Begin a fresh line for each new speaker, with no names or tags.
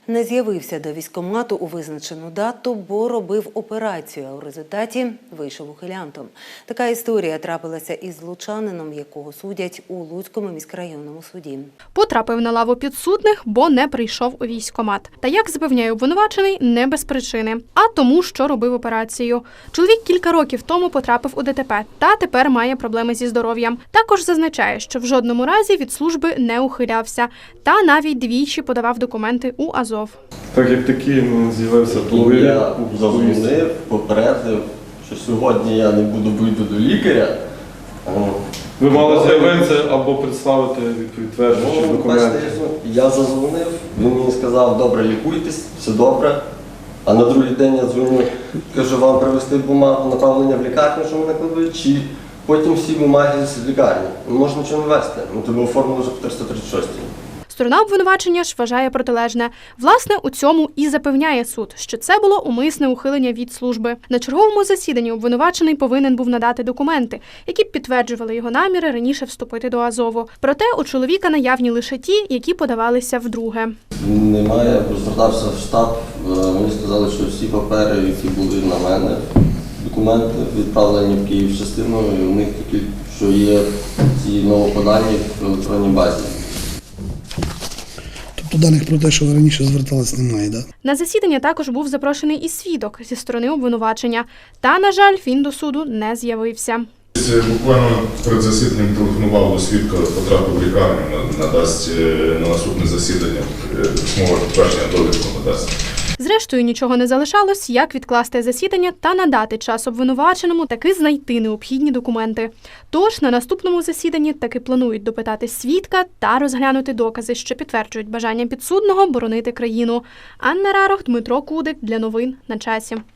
Не з'явився до військкомату у визначену дату, бо робив операцію, а у результаті вийшов ухилянтом. Така історія трапилася із лучанином, якого судять у Луцькому міськрайонному суді.
Потрапив на лаву підсудних, бо не прийшов у військкомат. Та як запевняє обвинувачений, не без причини, а тому, що робив операцію. Чоловік кілька років тому потрапив у ДТП та тепер має проблеми зі здоров'ям. Також зазначає, що в жодному разі від служби не ухилявся та навіть двічі подавав документи у Азов.
Так як такий з'явився половина.
Я зазвонив, попередив, що сьогодні я не вийду до лікаря.
Ви мали з'явитися або представити підтверджуючі документи.
Я зазвонив, він мені сказав, добре, лікуйтесь, все добре. А на другий день я дзвоню, кажу, вам привезти бумагу направлення в лікарню, що мене кладуть, чи потім всі бумаги з лікарні. Не можна нічого не вести, тебе оформили вже по 336.
Сторона обвинувачення ж вважає протилежне. Власне, у цьому і запевняє суд, що це було умисне ухилення від служби. На черговому засіданні обвинувачений повинен був надати документи, які б підтверджували його наміри раніше вступити до Азову. Проте у чоловіка наявні лише ті, які подавалися вдруге.
Немає, звертався в штаб, мені сказали, що всі папери, які були на мене, документи відправлені в Київ частиною, і у них тільки, що є ці новоподані в електронній базі.
Тобто даних про те, що ви раніше звертались, немає, так?
На засідання також був запрошений і свідок зі сторони обвинувачення. Та, на жаль, він до суду не з'явився.
Буквально перед засіданням телефонував до свідка, потрапив в лікарню, надасть на наступне засідання письмове підтвердження довідку надасть.
Зрештою, нічого не залишалось, як відкласти засідання та надати час обвинуваченому таки знайти необхідні документи. Тож на наступному засіданні таки планують допитати свідка та розглянути докази, що підтверджують бажання підсудного боронити країну. Анна Рарох, Дмитро Кудик. Для новин на часі.